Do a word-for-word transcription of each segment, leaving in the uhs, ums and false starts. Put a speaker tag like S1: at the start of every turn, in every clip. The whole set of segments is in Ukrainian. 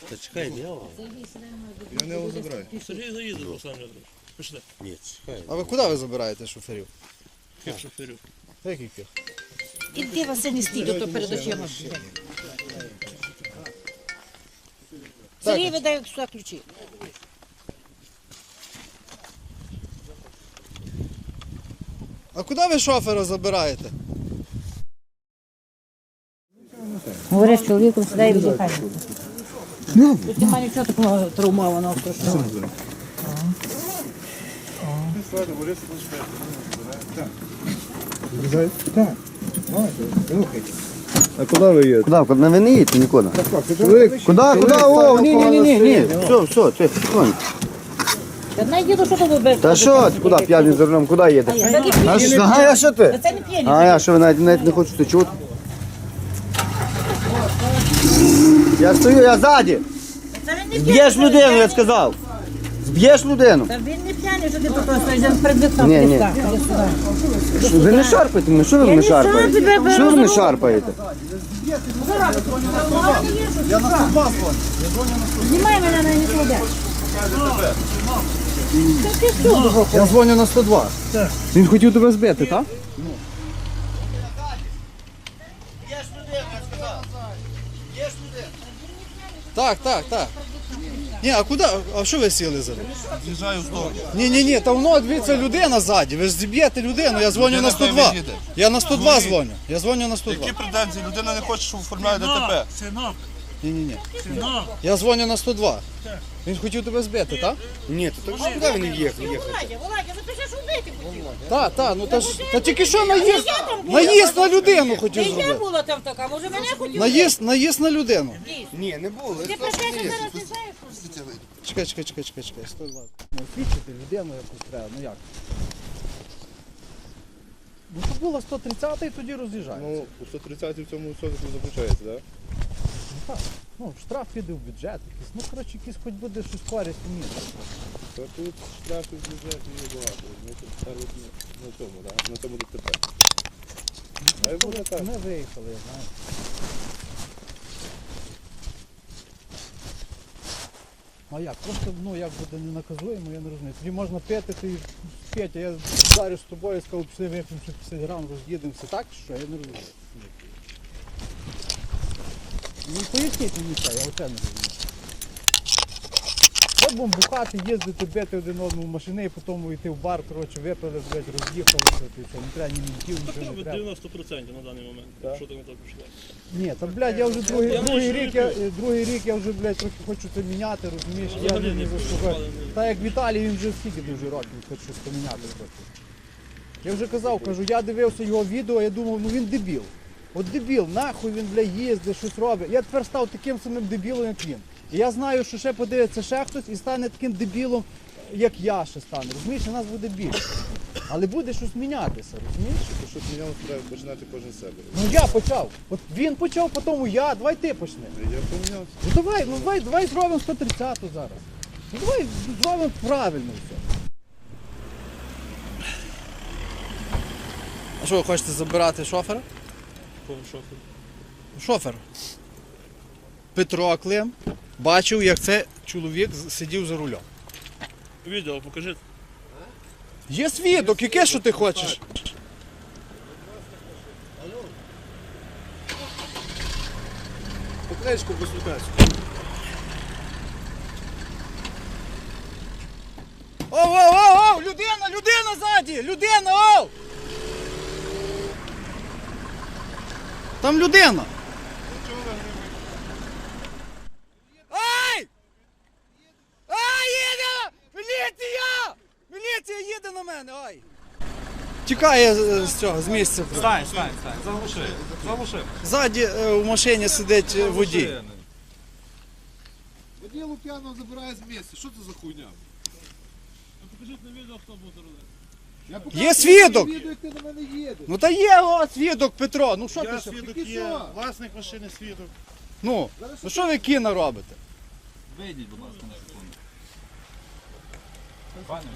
S1: Та чекай, я вам.
S2: Я не його забираю.
S3: Сергій заїде, Руслан Леонідович. Пішли.
S1: Ні, чекай.
S2: А ви куди ви забираєте шоферів?
S3: Як шоферів?
S2: Яких?
S4: Іди, Василь, не стій, то перед очима. Сергій видає сюди ключі.
S2: А куди ви шофера забираєте?
S4: Говориш, чоловіком сюди і віддихай. Тут немає нічого такого травмованого.
S2: А куди ви їдете?
S5: Куда? Куда? Ви не їдете нікуди. Куда? Куда? О, ні, ні, ні, ні, ні. Все, все, ти, тихонько.
S4: Та найдіду, що тобі без...
S5: Та що ти, куди п'яний за рулем, куди їдеш?
S4: Це не п'яний.
S5: А що, а що ти?
S4: Це не п'яний.
S5: А я що, ви навіть, навіть не хочете чути? Я стою, я ззаді.
S4: Це він не
S5: Зб'єш
S4: п'яний.
S5: людину, я сказав. Зб'єш людину.
S4: Та він не п'яний, що ти тут стоїш, він перед вікном.
S5: Ні, ні.
S4: Іди сюди.
S5: Що, ви не шарпаєте мене, що ви мене шарпаєте?
S4: тебе
S5: Що ви мене
S4: беру.
S5: шарпаєте?
S4: Знімай мене на нікуди.
S2: Я дзвоню на сто два.
S5: Він хотів тебе збити, так?
S2: Так, так, так. Ні, а куди? А що ви сіли за?
S3: З'їжджаю в сторону.
S2: Ні, ні, ні, та воно, дивіться, людина ззаді. Ви ж зіб'єте людину, я дзвоню на сто два. Я на сто два дзвоню. Я дзвоню на сто два.
S3: Які претензії? Людина не хоче, щоб оформляє ДТП.
S6: Синок,
S2: Ні, ні, ні.
S6: синок.
S2: Я дзвоню на сто два. Він хотів тебе збити, так?
S5: Ні, то так куди він їхав?
S4: Володя, Володя, запиши, що вбити хотів.
S2: Так, так, ну та ж та тільки що наїзд, наїзд на людину хотів
S4: Не я
S2: зробити.
S4: була там така, може мене хотів.
S2: Наїзд, наїзд на людину.
S5: Ні, не було.
S4: Ти про те, що зараз не знаєш?
S2: Чекай, чекай, чекай, чекай, чекай, сто два. Ну, освічити людину якусь треба, ну як? Ну, то було сто тридцятий, тоді роз'їжджається.
S7: Ну, у сто тридцятій в цьому сотку заключається, так?
S2: Ну, так. Ну, штраф піде в бюджет якийсь. Ну, коротше, якийсь хоч буде щось користь у місті.
S7: Та тут штрафів в бюджеті є багато. Ми тут ставимо на цьому, так? На цьому ДТП. А й буде так.
S2: Ми виїхали, я знаю. А як? Просто, ну, як буде не наказуємо, я не розумію. Тоді можна пити, ти п'ять, а я зараз з тобою сказав, пішли вип'ємо ще п'ятдесят грам, роз'їдемося. Так що? Я не розумію. Ну, поясніть мені це, я оце не розумію. От будемо бухати, їздити, бити один одному машини і потім йти в бар, коротше, випили, блядь, роз'їхалися, ти що, не треба ні мінтів, нічого не треба.
S3: дев'яносто відсотків на даний момент. Що так не так пішло?
S2: Ні, та, блядь, я вже другий,
S3: Я
S2: другий,
S3: не
S2: рік, я, другий рік я вже, блядь, трохи хочу це міняти, розумієш, я
S3: Взагалі
S2: не
S3: не
S2: заслухаю.
S3: пішли.
S2: Та як Віталій, він вже скільки дуже років хоче щось поміняти трохи. Я вже казав, кажу, я дивився його відео, я думав, ну він дебіл. От дебіл, нахуй він, блядь, їздить, щось робить. Я тепер став таким самим дебілом, як він. І я знаю, що ще подивиться ще хтось і стане таким дебілом, як я ще стану. Розумієш, у нас буде більше. Але буде щось мінятися, розумієш?
S7: Щоб мінялося, треба починати кожен з себе.
S2: Ну я почав. От він почав, потім я, давай ти почни.
S7: Я помінявся.
S2: Ну давай, ну давай, давай зробимо сто тридцяту зараз. Ну давай зробимо правильно все. А що, ви хочете забирати шофера?
S3: Кого шофер?
S2: Шофер. Петро Клим бачив, як цей чоловік сидів за рулем.
S3: Відео покажіть.
S2: Є свідок, яке що ти хочеш?
S7: Покличку послухайся.
S2: Оу, оу, оу, оу, людина, людина ззаді, людина, оу! Там людина. Ай! Ай, їде! Міліція! Міліція їде на мене, ай! Тікає з, з цього, з місця.
S6: Стань, стань, стань, заглуши, заглуши.
S2: Ззаді е, у машині сидить е, водій.
S7: Водій Лук'янов забирає з місця. Що це за хуйня?
S3: Покажіть на відео, хто буде робити.
S7: Я
S2: Є свідок!
S7: відео, як ти на мене їдеш.
S2: Ну та є о, свідок Петро, ну що ти
S3: Я
S2: ще?
S3: свідок
S7: Тільки
S3: є,
S7: що?
S3: власник машини свідок.
S2: Ну, ну що ви кіно робите?
S6: Вийдіть, будь ласка, на секунду. Пане,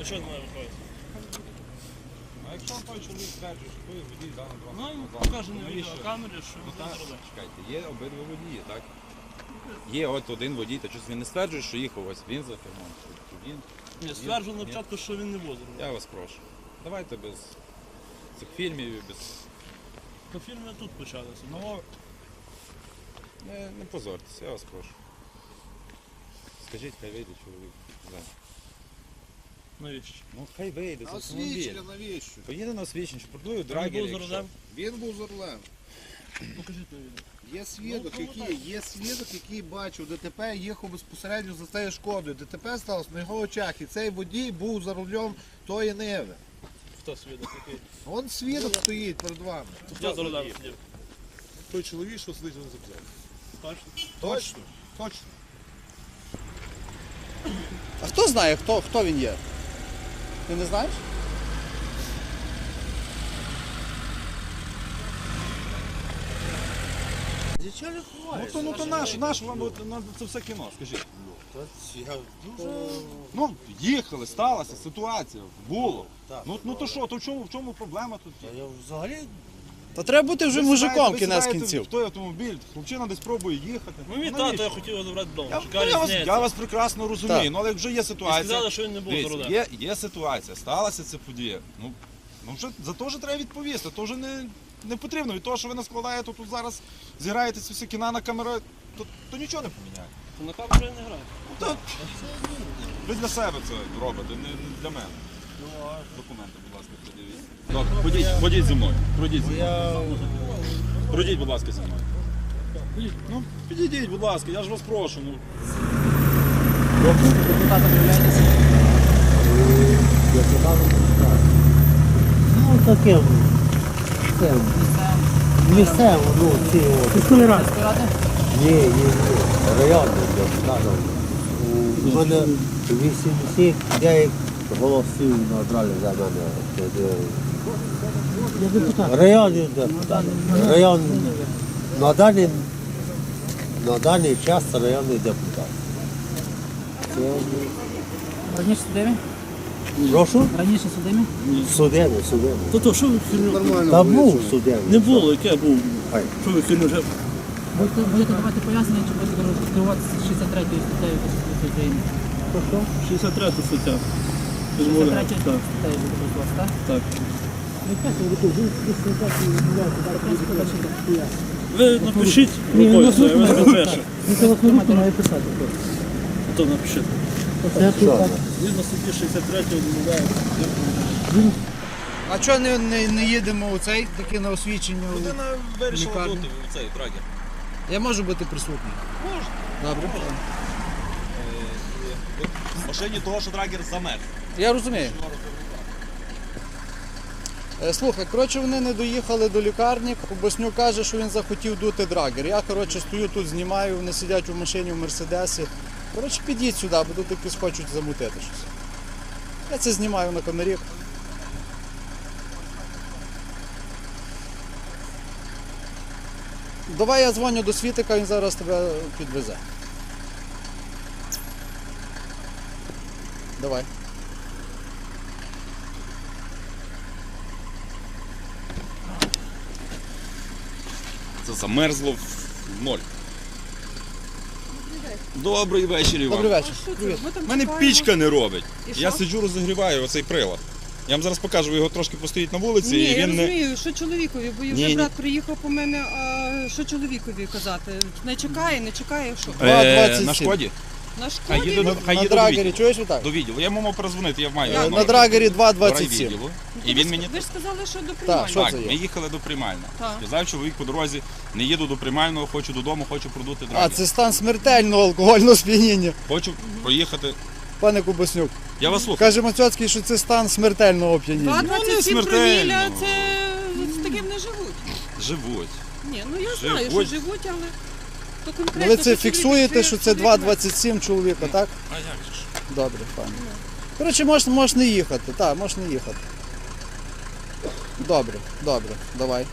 S3: що не має виходити?
S6: А якщо той чоловік стверджує, що той водій дав на
S3: Ну,
S6: два
S3: і покаже на відеокамері, що
S6: Ну
S3: він
S6: так,
S3: за рулем.
S6: чекайте, є обидва водії, так? Є от один водій, та щось він не стверджує, що їхав ось він за кермом, чи він.
S3: Ні, стверджував на початку, що він не буде за рулем.
S6: Я вас прошу. Давайте без цих фільмів, і без...
S3: То фільми тут почалися.
S6: Ну, не, не позорьтеся, я вас прошу. Скажіть, хай вийде чоловік. Да.
S3: Навіщо?
S6: Ну хай вийде з автомобіля.
S7: Освічення навіщо?
S6: Поїде на освічення, що продує
S3: Він
S6: драгер.
S3: був за рулем?
S7: Він був за рулем.
S3: Покажіть на відео.
S7: Є свідок,
S3: Ну,
S7: який, є свідок, який бачив ДТП, їхав безпосередньо за цією шкодою. ДТП сталося на його очах, і цей водій був за рулем тої Ниви.
S3: Хто свідок який?
S7: Вон свідок стоїть перед вами.
S3: Я за рулем сидів.
S1: Той чоловік, що сидить на запзяті.
S3: Точно?
S7: Точно, точно.
S2: А хто знає, хто, хто він є? Ти не знаєш?
S6: Ну то, ну то наш, наш вам от, на це все кіно, скажіть. Ну, їхали, сталася ситуація, було. Ну, ну то що, то в чому, в чому проблема тут?
S2: Та треба бути вже
S6: Ви
S2: мужиком
S6: сідаєте- ви
S2: кінець
S6: сідаєте
S2: кінців.
S6: в той автомобіль, хлопчина десь пробує їхати.
S3: Ну, мій
S6: Ну,
S3: тато,
S6: навіщо?
S3: я хотів його забрати вдома.
S6: Я,
S3: Чекали
S6: я, вас,
S3: зняти.
S6: я вас прекрасно розумію,
S2: Так.
S6: ну але як вже є
S3: І
S6: ситуація.
S3: сказали, що він не був за
S6: Дивіться,
S3: рулем.
S6: є, є ситуація, сталася ця подія. Ну, ну вже, за то вже треба відповісти, то вже не, не потрібно. Від того, що ви наскладаєте тут зараз, зіграєте ці всі кіна на камеру, то, то нічого не поміняє.
S3: На камеру я не граю.
S6: Ну, то, ви для себе це робите, не, не для мене. Документи, будь ласка, придивіть. Добре, ходіть, ходіть зі мною. Пройдіть зі мною. Пройдіть, будь ласка, зі мною. Ходіть. Ну, підійдіть, будь ласка, я ж вас прошу. Ну.
S8: Ну таке. Це, місцево, ну ці от.
S4: Міської ради.
S8: Ні, ні, ні. Районний депутат. У мене вісімдесят дев'ять голосів набрали за мене.
S4: Я депутат.
S8: Районний депутат. Район на даний, на даний час районний депутат. Це,
S4: Раніше судимі?
S8: прошу?
S4: Раніше судимі?
S8: Судебний, судебний.
S3: То то, що ви фільму?
S7: Нормально.
S8: Та був судебний.
S3: Не було, яке був?
S8: Ай.
S3: Що ви фільму вже?
S4: Будете, будете давати пояснення, чи будете керуватися шістдесят третьою статтею Конституції України?
S3: шістдесят третя стаття.
S4: шістдесят третя статтею будете користуватися, так?
S3: Так.
S4: Ви
S3: Ви напишіть рукою, це я вас напишу.
S4: телефонуйте, має писати.
S3: То напишіть.
S8: Це тут.
S3: Згідно статті шістдесят третя відмовляється.
S2: А чого не, не, не їдемо у цей таке на освічення?
S6: Людина вирішила
S2: Лікарня.
S6: бути в цей драгер.
S2: Я можу бути присутній?
S6: Можна.
S2: Добре.
S6: В машині того, що драгер замерз.
S2: Я розумію. Е, Слухай, коротше, вони не доїхали до лікарні. Кубаснюк каже, що він захотів дути драгер. Я, коротше, стою тут, знімаю, вони сидять у машині в Мерседесі. Коротше, підіть сюди, бо тут якось хочуть замутити щось. Я це знімаю на камері. Давай я дзвоню до Світика, він зараз тебе підвезе. Давай.
S6: Це замерзло в ноль. Добрий вечір, Іван.
S2: Добрий вечір. Привіт.
S6: У мене пічка не робить. Я сиджу, розігріваю оцей прилад. Я вам зараз покажу, ви його трошки постоїть на вулиці
S9: Ні,
S6: і
S9: я
S6: він не.
S9: розумію, що чоловікові, бо
S6: Ні,
S9: вже
S6: ні.
S9: брат приїхав по мене, а що чоловікові казати? Не чекає, не чекає, що?
S2: Два
S6: Е,
S2: двадцять
S6: на
S2: сім.
S6: шкоді.
S9: На
S6: Хай
S9: шкоді?
S6: їде до, хай
S2: На
S6: їде до
S2: драгері,
S6: відділу.
S2: чуєш отак?
S6: До відділу. Я можу перезвонити, я маю.
S9: Як?
S6: номер
S2: На драгері два двадцять сім.
S6: райвідділу.
S9: Ну,
S6: І
S9: ви,
S6: він мені
S9: ви ж сказали, що до
S2: Так,
S9: приймальні.
S2: що
S6: так,
S2: це є?
S6: ми їхали до приймального.
S9: Так.
S6: Сказав чоловік по дорозі, не їду до приймального, хочу додому, хочу продути
S2: А,
S6: драгер.
S2: це стан смертельного алкогольного сп'яніння.
S6: Хочу проїхати.
S2: Пане Кубаснюк,
S6: Я вас слухаю.
S2: каже Мацьоцький, що це стан смертельного оп'яніння.
S9: два двадцять сім
S6: Ну, не смертельно.
S9: проміля, це з таким не живуть.
S6: Живуть.
S9: Ні, ну я знаю, що
S6: Живуть.
S9: живуть, але то
S2: Ну,
S9: конкретно.
S2: ви це
S9: що
S2: фіксуєте,
S9: чоловік
S2: що це
S9: живе,
S2: два
S9: чоловік
S2: двадцять сім чоловіка, так?
S6: А як же ж?
S2: Добре, пане. Коротше, можеш, можеш не їхати, так, можеш не їхати. Добре, добре, давай.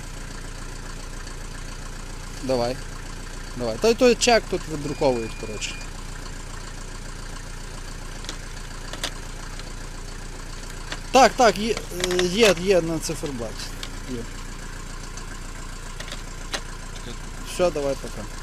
S2: Давай. Давай. Той той чек тут видруковують, коротше. Так, так, є, е, є, є на циферблаті. Є. Все, давай пока.